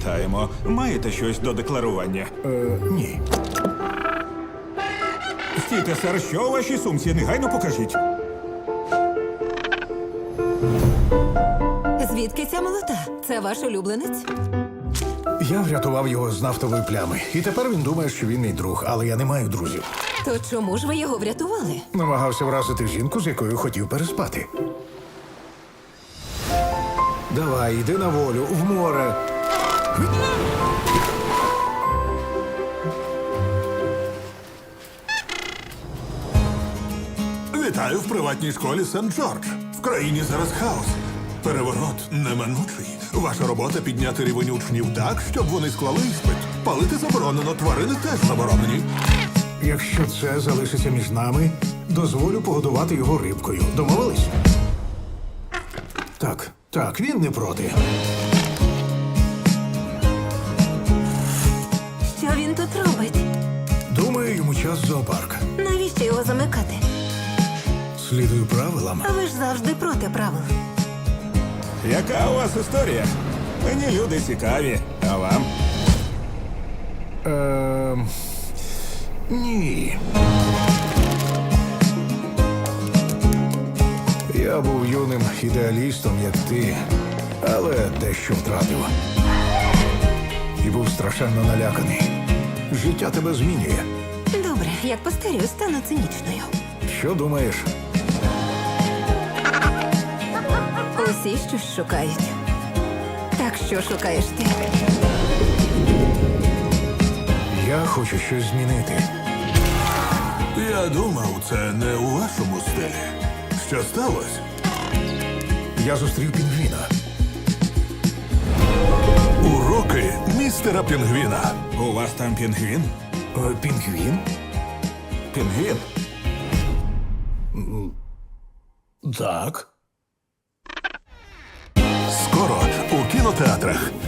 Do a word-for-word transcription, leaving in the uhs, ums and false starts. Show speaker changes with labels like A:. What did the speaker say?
A: Вітаємо. Маєте щось до декларування?
B: Е, ні.
A: Стійте, сер, що у вашій сумці? Негайно покажіть.
C: Звідки ця молота? Це ваш улюбленець?
B: Я врятував його з нафтової плями. І тепер він думає, що він мій друг, але я не маю друзів.
C: То чому ж ви його врятували?
B: Намагався вразити жінку, з якою хотів переспати. Давай, йди на волю, в море.
D: Вітаю в приватній школі Сент-Джордж. В країні зараз хаос. Переворот неминучий. Ваша робота підняти рівень учнів так, щоб вони склали іспит. Палити заборонено, тварини теж заборонені.
B: Якщо це залишиться між нами, дозволю погодувати його рибкою. Домовились? Так, так, він не проти.
C: Що він тут робить?
B: Думаю, йому час в зоопарк.
C: Навіщо його замикати?
B: Слідую правилам.
C: А ви ж завжди проти правил.
A: Яка у вас історія? Мені люди цікаві. А вам?
B: Ем... Ні. Я був юним ідеалістом, як ти, але дещо втратив. І був страшенно наляканий. Життя тебе змінює.
C: Добре, як постарію, стану цинічною.
B: Що думаєш?
C: Усі щось шукають. Так що шукаєш ти?
B: Я хочу щось змінити.
D: Я думав, це не у вашому стилі. Що сталося?
B: Я зустрів пінгвіна.
D: Уроки містера Пінгвіна.
A: У вас там пінгвін?
B: Е, Пінгвін?
A: Пінгвін?
B: Так.
D: Скоро у кінотеатрах.